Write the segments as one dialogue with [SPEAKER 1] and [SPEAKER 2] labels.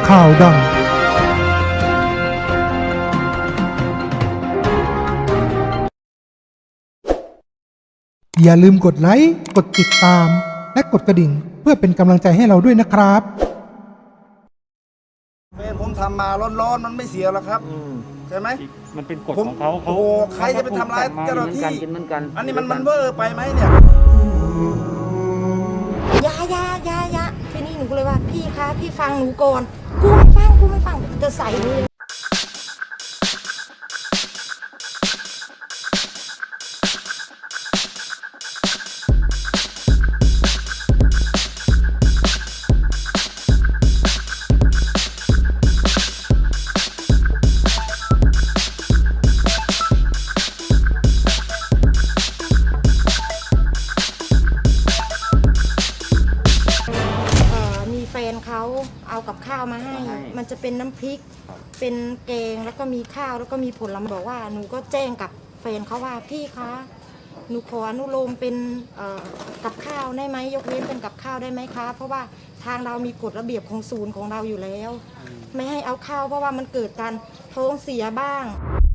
[SPEAKER 1] ข่าวดังอย่าลืมกดไลค์กดติดตามและกดกระดิ่งเพื่อเป็นกำลังใจให้เราด้วยนะครับ
[SPEAKER 2] แฟนผมทำมาร้อนๆมันไม่เสียหรอกครับใช่ไหม
[SPEAKER 3] มันเป็นกฎของเขา
[SPEAKER 2] โอ้โหใครจะไปทำร้ายเจ้าหน้าที่อันนี้มันเวอร์ไปไหมเนี่ย
[SPEAKER 4] ยาทีนี้หนูก็เลยว่าพี่คะพี่ฟังหนูก่อนกูไม่ฟังจะใส่หนูเลยแฟนเขาเอากับข้าวมาให้มันจะเป็นน้ำพริกเป็นแกงแล้วก็มีข้าวแล้วก็มีผลไม้บอกว่าหนูก็แจ้งกับแฟนเขาว่าพี่คะหนูขออนุโลมเป็นกับข้าวได้ไหมยกเว้นเป็นกับข้าวได้ไหมคะเพราะว่าทางเรามีกฎระเบียบของศูนย์ของเราอยู่แล้วไม่ให้เอาข้าวเพราะว่ามันเกิดการท้องเสียบ้าง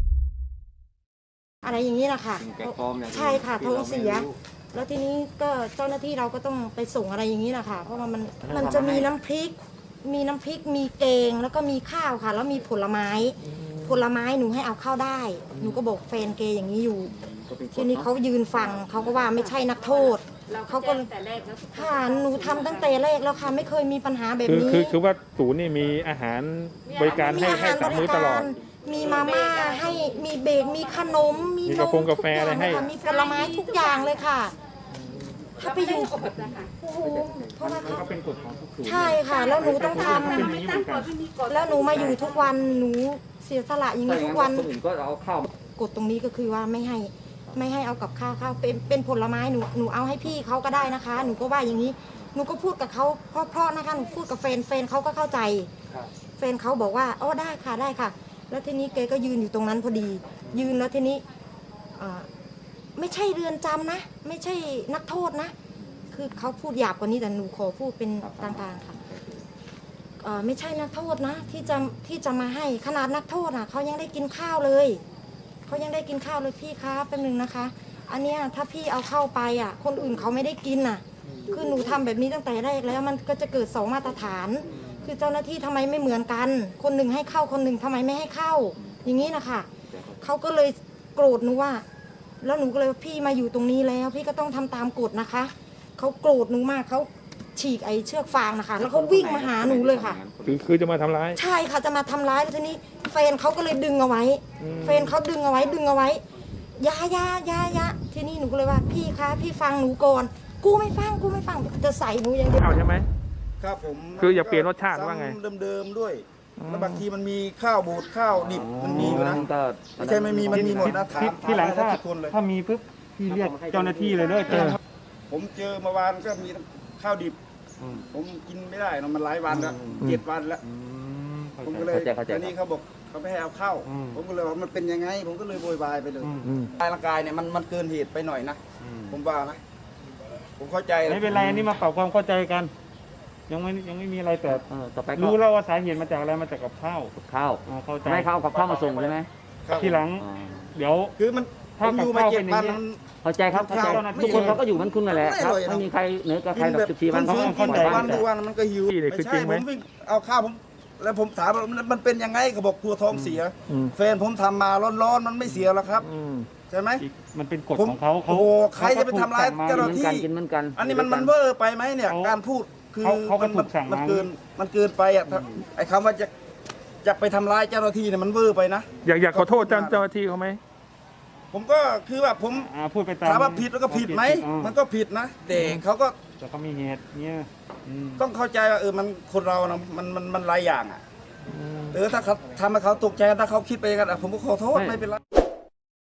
[SPEAKER 4] อะไรอย่างนี้นะคะใช่ค่ะท้องเสียแล้วทีนี้ก็เจ้าหน้าที่เราก็ต้องไปส่งอะไรอย่างนี้นะคะเพราะว่ามันจะมีน้ำพริกมีแกงแล้วก็มีข้าวค่ะแล้วมีผลไม้หนูให้เอาเข้าได้หนูก็บอกแฟนเกอย่างนี้อยู่ทีนี้เขายืนฟังเขาก็ว่าไม่ใช่นักโทษเขาก็ค่ะหนูทำตั้งแต่แรกแล้วค่ะไม่เคยมีปัญหาแบบนี้
[SPEAKER 3] คือว่าศูนย์นี่มีอาหารบริการให้3 มื้อตลอด
[SPEAKER 4] มีมาม่าให้มีเบรกมีขนมมีนม
[SPEAKER 3] กาแฟอะไรให้
[SPEAKER 4] มีผลไม้ทุกอย่างเลยค่ะถ้าไปอยู่โอ้โหเพราะว่า
[SPEAKER 3] เขาเป็นกฎของทุกศูนย์
[SPEAKER 4] ใช่ค่ะแล้วหนูต้องทำแล้วหนูมาอยู่ทุกวันหนูเสียสละอย่างนี้ทุกวันกฎตรงนี้ก็คือว่าไม่ให้เอากับข้าวเป็นผลไม้หนูเอาให้พี่เขาก็ได้นะคะหนูก็ว่าอย่างนี้หนูก็พูดกับเขาเพราะนะคะหนูพูดกับแฟนเขาก็เข้าใจแฟนเขาบอกว่าอ๋อได้ค่ะแล้วทีนี้แกก็ยืนอยู่ตรงนั้นพอดียืนแล้วทีนี้ไม่ใช่เรือนจำนะไม่ใช่นักโทษนะคือเขาพูดหยาบกว่านี้แต่หนูขอพูดเป็นกลางๆค่ะไม่ใช่นักโทษนะที่จะมาให้ขนาดนักโทษเขายังได้กินข้าวเลยพี่คะแป๊บนึงนะคะอันเนี้ยถ้าพี่เอาเข้าไปคนอื่นเขาไม่ได้กินคือหนูทำแบบนี้ตั้งแต่แรกแล้วมันก็จะเกิด2 มาตรฐานคือเจ้าหน้าที่ทำไมไม่เหมือนกันคนหนึ่งให้เข้าคนหนึ่งทำไมไม่ให้เข้าอย่างนี้นะคะเขาก็เลยโกรธหนูว่าแล้วหนูก็เลยว่าพี่มาอยู่ตรงนี้แล้วพี่ก็ต้องทำตามกฎนะคะเขาโกรธหนูมากเขาฉีกไอ้เชือกฟางนะคะแล้วเขาวิ่งมาหาหนูเลยค่ะ
[SPEAKER 3] คือจะมาทำร้าย
[SPEAKER 4] ใช่ค่ะจะมาทำร้ายแล้วทีนี้แฟนเขาก็เลยดึงเอาไว้ดึงเอาไว้ยาทีนี้หนูก็เลยว่าพี่คะพี่ฟังหนูก่อนกูไม่ฟังจะใส่หนูอย่างเดียว
[SPEAKER 3] ใช่ไหม
[SPEAKER 2] ครับผม
[SPEAKER 3] คืออย่าเปลี่ยนรสชาติว่าไง
[SPEAKER 2] เดิมด้วยแล้วบางทีมันมีข้าวบูดข้าวดิบมันมีอยู่นะไม่ใช่ไม่มีมันมีหมดนะ
[SPEAKER 3] ที่หลังถ้ามีปุ๊บพี่เรียกเจ้าหน้าที่เลยด้วย
[SPEAKER 2] ผมเจอเมื่อวานก็มีข้าวดิบผมกินไม่ได้มันหลายวันแล้ว7 วันแล้วผมก็เลยตอนนี้เขาบอกเขาไม่ให้เอาเข้าผมก็เลยว่ามันเป็นยังไงผมก็เลยโวยวายไปเลยร่างกายเนี่ยมันเกินเหตุไปหน่อยนะผมว่านะผมเข้าใจ
[SPEAKER 3] ไม่เป็นไรอันนี้มาปรับความเข้าใจกันยังไม่มีอะไรแต่รู้แล้วว่าสาเหตุมาจากอะไรมาจากกับข้าวเข้าใจ
[SPEAKER 5] ไม่ข้าวกับข้าวมาส่งใช่ไหม
[SPEAKER 3] ทีหลังเดี๋ยว
[SPEAKER 2] คือมัน
[SPEAKER 3] ถ้ากับข้าวเป็นอย่างนี้
[SPEAKER 5] เข้าใจครับทุกคนเขาก็อยู่มันคุณนั่นแหละครับไม่มีใครเหนือกับใครแบบ14 วันเขา
[SPEAKER 2] เข้าใจวันมันก็หิวไม่ใช่ผมวิ่งเอาข้าวผมแล้วผมถามมันเป็นยังไงเขาบอกกลัวท้องเสียแฟนผมทำมาร้อนมันไม่เสียหรอกครับใช่ไหม
[SPEAKER 3] มันเป็นกฎของเขา
[SPEAKER 2] โอ้โหใครจะไปทำร้ายเจ้าหน้าที่อันนี้มันเวอร์ไปไหมเนี่ยการพูดคือมันเกินไปไอ้คำว่าจะไปทำร้ายเจ้าหน้าที่เนี่ยมันเวอร์ไปนะ
[SPEAKER 3] อยากขอโทษเจ้าหน้าที่เขาไหม
[SPEAKER 2] ผมก็คือว่าผม
[SPEAKER 3] พูดไปตาม
[SPEAKER 2] ถามว่าผิดแล้วก็ผิดไหมมันก็ผิดนะแต่เขาก็
[SPEAKER 3] แต่เขามีเหตุเนี่ย
[SPEAKER 2] ต้องเข้าใจว่ามันคนเรานะมันหลายอย่างถ้าเขาทำให้เขาตกใจถ้าเขาคิดไปกันผมก็ขอโทษไม่เป็นไร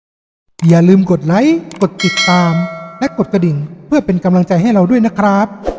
[SPEAKER 1] อย่าลืมกดไลค์กดติดตามและกดกระดิ่งเพื่อเป็นกำลังใจให้เราด้วยนะครับ